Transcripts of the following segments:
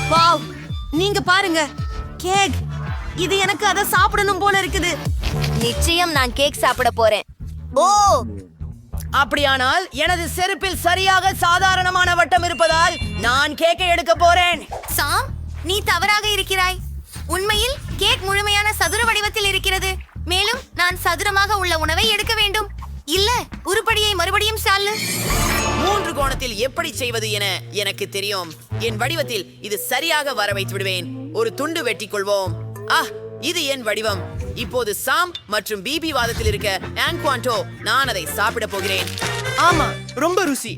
Wow, நீங்க பாருங்க, cake. இது எனக்கு அதை சாப்பிடணும் போல இருக்குது. நிச்சயம் நான் கேக் சாப்பிட போறேன். ஓ, அப்படியானால் எனது செருப்பில் சரியாக சாதாரணமான வட்டம் இருப்பதால் நான் கேக்கை எடுக்க போறேன். சாம், நீ தவறாக இருக்கிறாய். உண்மையில் கேக் முழுமையான சதுர வடிவத்தில் இருக்கிறது. மேலும் நான் சதுரமாக உள்ள உணவை எடுக்க வேண்டும். இல்ல, உருப்படியை மறுபடியும் சால்லு. 3 கோணத்தில் எப்படி செய்வது என எனக்கு தெரியும். என் வடிவத்தில் இது சரியாக வர வைத்து விடுவேன். ஒரு துண்டு வெட்டிக் கொள்வோம். இது என் வடிவம். இப்போது சாம் மற்றும் பிபி வாதத்தில் இருக்க ஆன்குவான்டோ, நான் அதை சாப்பிட போகிறேன். ஆமா, ரொம்ப ருசி.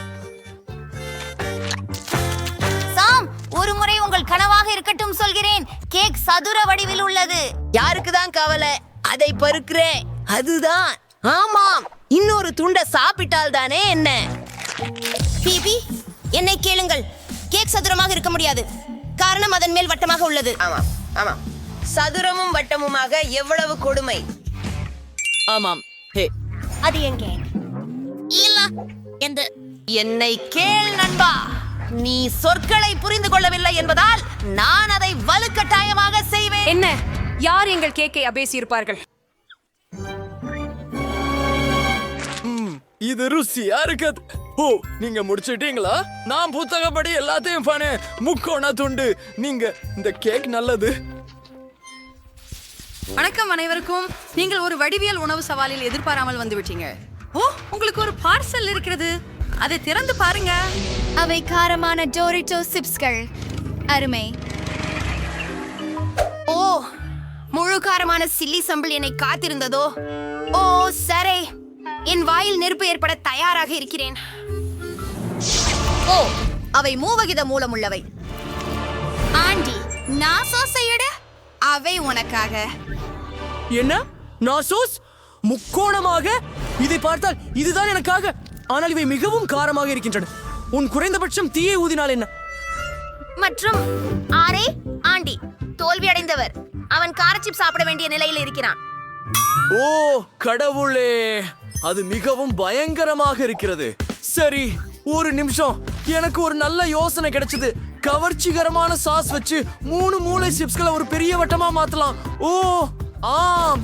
சாம், ஒரு முறை உங்கள் கனவாக இருக்கட்டும் சொல்கிறேன். கேக் சதுர வடிவில் உள்ளது. யாருக்கு தான் கவலை? அதை பருக்கிறேன். அதுதான். ஆமாம், இன்னொரு துண்டை சாப்பிட்டால் தானே என்ன. பிபி, என்னை கேளுங்கள். கேக் சதுரமாக இருக்க முடியாது. காரணம் அதன் மேல் வட்டமாக உள்ளது. ஆமாம் ஆமாம், சதுரமும் வட்டமுமாக எவ்வளவு கொடுமை. ஆமாம். அது என் கேக் இல்ல. என்னை கேள் நண்பா. நீ சொற்களை புரிந்து கொள்ளவில்லை என்பதால் நான் அதை வலுக்கட்டாயமாக செய்வேன். என்ன? யார் எங்கள் கேக்கை அபேசியிருப்பார்கள்? இது ருசியா இருக்குது. ஓ, நீங்க முடிச்சிட்டீங்களா? நான் புத்தகப்படி எல்லாத்தையும் பண்ணேன். முக்கோண துண்டு. நீங்க இந்த கேக் நல்லது. வணக்கம் அனைவருக்கும். நீங்கள் ஒரு வடிவியல் உணவு சவாலில் எதிர்பாராமல் வந்துவிட்டீங்க. ஓ, உங்களுக்கு ஒரு பார்சல் இருக்கிறது. அதை திறந்து பாருங்க. அவை காரமான டோரிட்டோ சிப்ஸ்கள். அருமை. ஓ, முழு காரமான சில்லி சம்பிள் என்னை காத்திருந்ததோ. ஓ சரி, என் வாயில் நெருப்பு ஏற்பட தயாராக இருக்கிறேன். ஓ, அவை மூவகித மூலம் உள்ளவை. ஆண்டி, நான் சோசையிட அவை உனக்காக. என்ன? நாசோஸ் முக்கோணமாக? இதை பார்த்தால் இதுதான் எனக்காக. ஆனால் இவை மிகவும் காரமாக இருக்கின்றன. உன் குறைந்தபட்சம் தீயை ஊதினால் என்ன? மற்றும் ஆரே, ஆண்டி தோல்வி அடைந்தவர். அவன் காரச்சிப் சாப்பிட வேண்டிய நிலையில் இருக்கிறான். ஓ கடவுளே, அது மிகவும் பயங்கரமாக இருக்கிறது. சரி, ஒரு நிமிஷம். எனக்கு ஒரு நல்ல யோசனை கிடைச்சது. கவர்ச்சிகரமான சாஸ் வச்சு 3 மூளை சிப்ஸ்களை ஒரு பெரிய வட்டமா மாத்தலாம். ஓ ஆம்,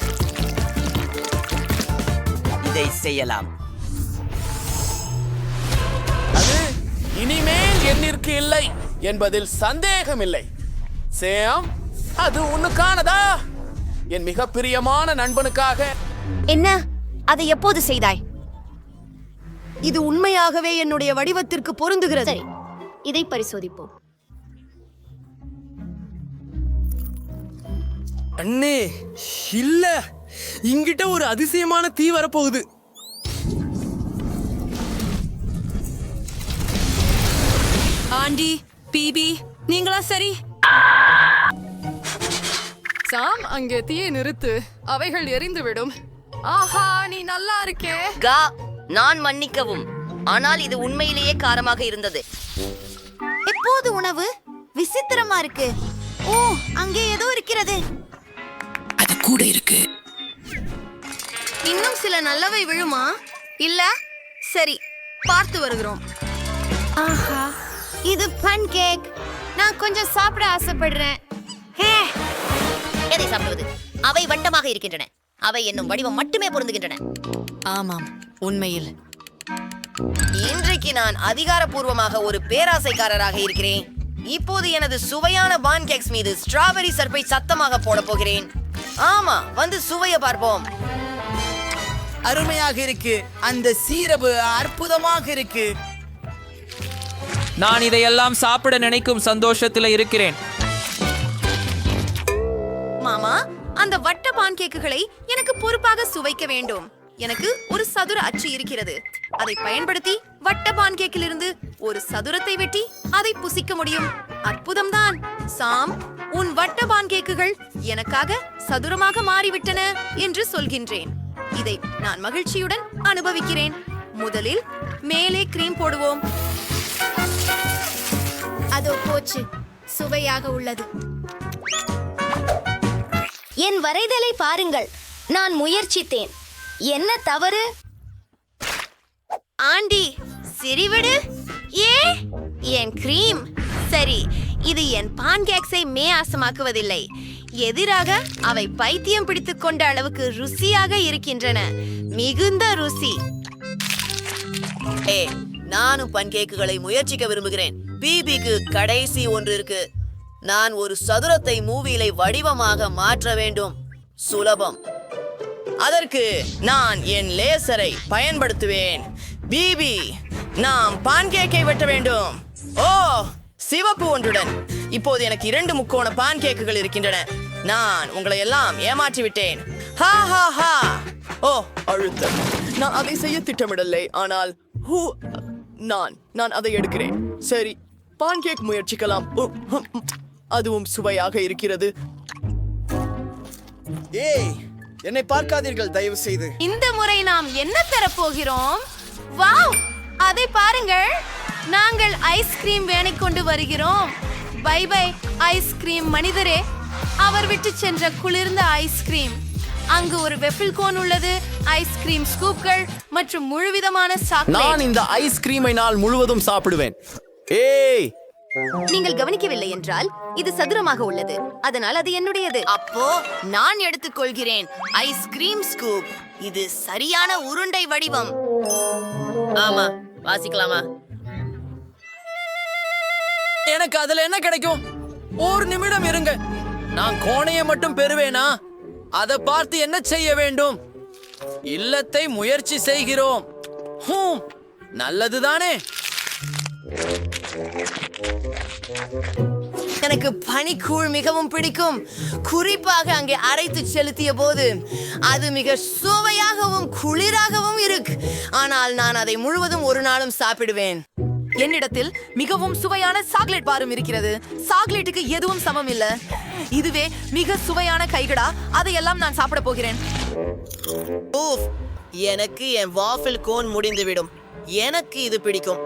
இதை செய்யலாம். அது இனிமேல் எண்ணிற்கு இல்லை என்பதில் சந்தேகம் இல்லை. சேம், அது உன்னுக்கானதா? என் மிக பிரியமான நண்பனுக்காக. என்ன? அதை எப்போது செய்தாய்? இது உண்மையாகவே என்னுடைய வடிவத்திற்கு பொருந்துகிறது. சரி, இதை பரிசோதிப்போம். அண்ணே, இல்ல, இங்கிட்ட ஒரு அதிசயமான தீ வரப்போகுது. ஆண்டி, பிபி, நீங்களா? சரி சாம், அங்கே தீயை நிறுத்து. அவைகள் எரிந்துவிடும். ஆஹா, நீ நல்லா இருக்கே. நான் மன்னிக்கவும், ஆனால் இது உண்மையிலேயே காரமாக இருந்தது. எப்போது உணவு விசித்திரமா இருக்கு. ஓ, அங்கே ஏதோ இருக்கிறது. அது கூட இருக்கு. இன்னும் சில நல்லவை விழுமா? இல்ல. சரி, பார்த்து வருகிறோம். ஆஹா, இது பன் கேக். நான் கொஞ்சம் சாப்பிட ஆசைப்படுறேன். எதை சாப்பிடுவது? அவை வட்டமாக இருக்கின்றன. அவை என்னும் வடிவம் மட்டுமே பொருந்துகின்றன. ஆமாம், உண்மையில் இன்றைக்கு நான் அதிகாரப்பூர்வமாக ஒரு பேராசைக்காரராக இருக்கிறேன். இப்போது எனது சுவையான பான் கேக்ஸ் மீது ஸ்ட்ராபெரி சர்ப்பை சத்தமாக போட போகிறேன். ஆமா, வந்து சுவைய பார்ப்போம். அருமையாக இருக்கு. அந்த சீரப்பு அற்புதமாக இருக்கு. நான் இதையெல்லாம் சாப்பிட நினைக்கும் சந்தோஷத்தில் இருக்கிறேன். மாமா, அந்த வட்ட பான் கேக்குகளை எனக்கு பொறுப்பாக சுவைக்க வேண்டும். எனக்கு ஒரு சதுர அச்சு இருக்கிறது. அதை பயன்படுத்தி வட்ட பான் கேக்கிலிருந்து ஒரு சதுரத்தை வெட்டி அதை புசிக்க முடியும். அற்புதம்தான். சாம், உன் வட்ட பான் கேக்குகள் எனக்காக சதுரமாக மாறிவிட்டன என்று சொல்கின்றேன். இதை நான் மகிழ்ச்சியுடன் அனுபவிக்கிறேன். முதலில் மேலே கிரீம் போடுவோம். அதோ போச்சு, சுவையாக உள்ளது. என் வரைதலை பாருங்கள். நான் முயற்சித்தேன். என்ன தவறு? ஆண்டி, சிரிவிடு. ஏ, என் கிரீம். சரி, இது என் பான்கேக்ஸை மேயாசமாக்குவதில்லை, எதிராக அவை பைத்தியம் பிடித்துக் கொண்ட அளவுக்கு ருசியாக இருக்கின்றன. மிகுந்த ருசி. நானும் பன்கேக்குகளை முயற்சிக்க விரும்புகிறேன். பிபிக்கு கடைசி ஒன்று இருக்கு. நான் ஒரு சதுரத்தை மூவிலை வடிவமாக மாற்ற வேண்டும். சுலபம். அதற்கு நான் என் லேசரை பயன்படுத்துவேன். பிபி, நாம் பான்கேக்கை வெட்ட வேண்டும். ஓ, சிவப்பு ஒன்றுடன். இப்போது எனக்கு 2 முக்கோண பான்கேக்குகள் இருக்கின்றன. நான் உங்களை எல்லாம் ஏமாற்றி விட்டேன். ஹா ஹா ஹா. ஓ, அழுத்தம். நான் அதை செய்ய திட்டமிடலை, ஆனால் நான் அதை எடுக்கிறேன். சரி, பான்கேக் முயற்சிக்கலாம். அதுவும் சுவையாக இருக்கிறது. ஏய், என்னை பார்க்காதீர்கள் தயவு செய்து. இந்த முறை நாம் என்ன தரப்போகிறோம்? வாவ், அதை பாருங்கள். நாங்கள் ஐஸ்கிரீம் வேனை கொண்டு வருகிறோம். பை பை ஐஸ்கிரீம் மனிதரே. அவர் விட்டு சென்ற குளிர்ந்த ஐஸ்கிரீம். அங்கு ஒரு வெஃபில் கோன் உள்ளது, ஐஸ்கிரீம் ஸ்கூப்கள் மற்றும் முழுவிதமான சாக்லேட். நான் இந்த ஐஸ்கிரீமை நாள் முழுவதும் சாப்பிடுவேன். ஏய், நீங்கள் கவனிக்கவில்லை என்றால் இது சதுரமாக உள்ளது, அதனால் அது என்னுடையது. அப்போ நான் எடுத்துக்கொள்கிறேன் ஐஸ்கிரீம் ஸ்கூப். இது சரியான உருண்டை வடிவம். ஆமா, வாசிக்கலாமா? எனக்கு அதுல என்ன கிடைக்கும்? ஒரு நிமிடம் இருங்க. நான் கோணையை மட்டும் பெறுவேனா? அதை பார்த்து என்ன செய்ய வேண்டும்? இல்லத்தை முயற்சி செய்கிறோம். நல்லதுதானே? எனக்கு பனிக்கூழ் மிகவும் பிடிக்கும். குறிப்பாக அங்கே அரைத்து செலுத்திய போது அது மிக சுவையாகவும் குளிராகவும் இருக்கு. ஆனால் நான் அதை முழுவதும் ஒரு நாளும் சாப்பிடுவேன். என்னிடத்தில் மிகவும் சுவையான சாக்லேட் பாரும் இருக்கிறது. சாக்லேட்டுக்கு எதுவும் சமம் இல்ல. இதுவே மிக சுவையான கைகடா. அதையெல்லாம் நான் சாப்பிட போகிறேன். ஊஃப், எனக்கு என் வாஃபில் கோன் முடிந்துவிடும். எனக்கு இது பிடிக்கும்.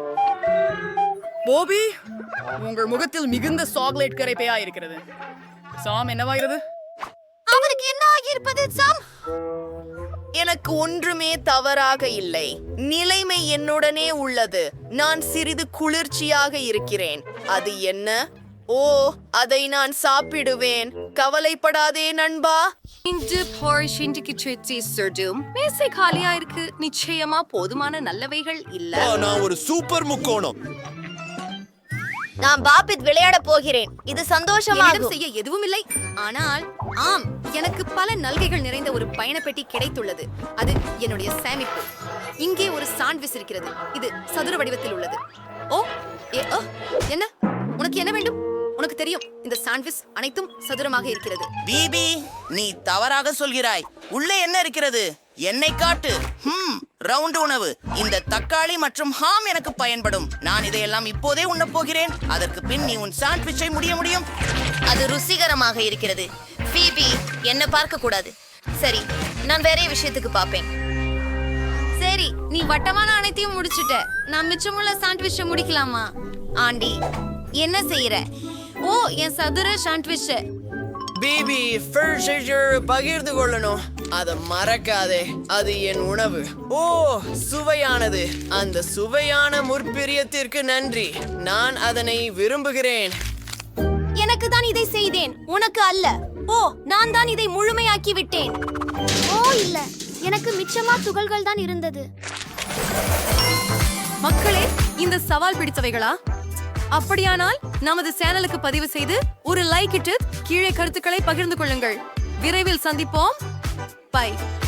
போபி, உங்கள் முகத்தில் மிகுந்த சாக்லேட் கரைப்பையா இருக்கிறது. சாம், என்னவாகிறது? அவருக்கு என்ன ஆகியிருப்பது சாம்? எனக்கு ஒன்றுமே தவறாக இல்லை. நிலைமை என்னுடனே உள்ளது. நான் சிறிது குளிர்ச்சியாக இருக்கிறேன். அது என்ன? ஓ, அதை நான் சாப்பிடுவேன். கவலைப்படாதே நண்பா. இன்று போர்ஷின்க்கு சுற்றி சுடும் மேசை காலியா இருக்கு. நிச்சயமா போதுமான நல்லவைகள் இல்ல. நான் ஒரு சூப்பர் முக்கோணம். நான் பாபித் விளையாட போகிறேன். இது சந்தோஷமாக செய்ய எதுவும் இல்லை. ஆனால் ஆம், எனக்கு பல நல்கைகள் நிறைந்த ஒரு பயணப்பெட்டி கிடைத்துள்ளது. அது என்னுடைய சேமிப்பு. இங்கே ஒரு சாண்ட்விச் இருக்கிறது. இது சதுர வடிவத்தில் உள்ளது. ஓ, என்ன? உனக்கு என்ன வேண்டும்? உனக்கு தெரியும், இந்த சாண்ட்விச் அனைத்தும் சதுரமாக இருக்கிறது. பிபி, நீ தவறாக சொல்கிறாய். உள்ளே என்ன இருக்கிறது? என்னை காட்டு. ரவுண்ட் உணவு. இந்த தக்காளி மற்றும் ஹாம் எனக்கு பயன்படும். நான் இதையெல்லாம் இப்போதே உண்ணப் போகிறேன். அதற்கு பின் நீ உன் சாண்ட்விச்சை முடியும். அது ருசிகரமாக இருக்கிறது. பிபி, என்ன பார்க்க கூடாது. சரி, நான் வேற விஷயத்துக்கு பாப்பேன். சரி, நீ வட்டமான அனைத்தையும் முடிச்சிட்ட. நான் மிச்சமுள்ள சாண்ட்விச்சை முடிக்கலாமா? ஆண்டி, என்ன செய்யற? ஓ, என் சதுர சாண்ட்விச். பிபி, பகிர்ந்து கொள்ளணும். அதை மறக்காதே. அது என் உணவு. ஓ, சுவையானது. அந்த சுவையான முற்பிரியத்திற்கு நன்றி. நான் அதனை விரும்புகிறேன். எனக்கு தான் இதை செய்தேன், உனக்கு அல்ல. ஓ, நான் தான் இதை முழுமையாக்கி விட்டேன். ஓ இல்ல, எனக்கு மிச்சமா துகள்கள் தான் இருந்தது. மக்களே, இந்த சவால் பிடித்தவைகளா? அப்படியானால் நமது சேனலுக்கு பதிவு செய்து ஒரு லைக் இட்டு கீழே கருத்துக்களை பகிர்ந்து கொள்ளுங்கள். விரைவில் சந்திப்போம். பை.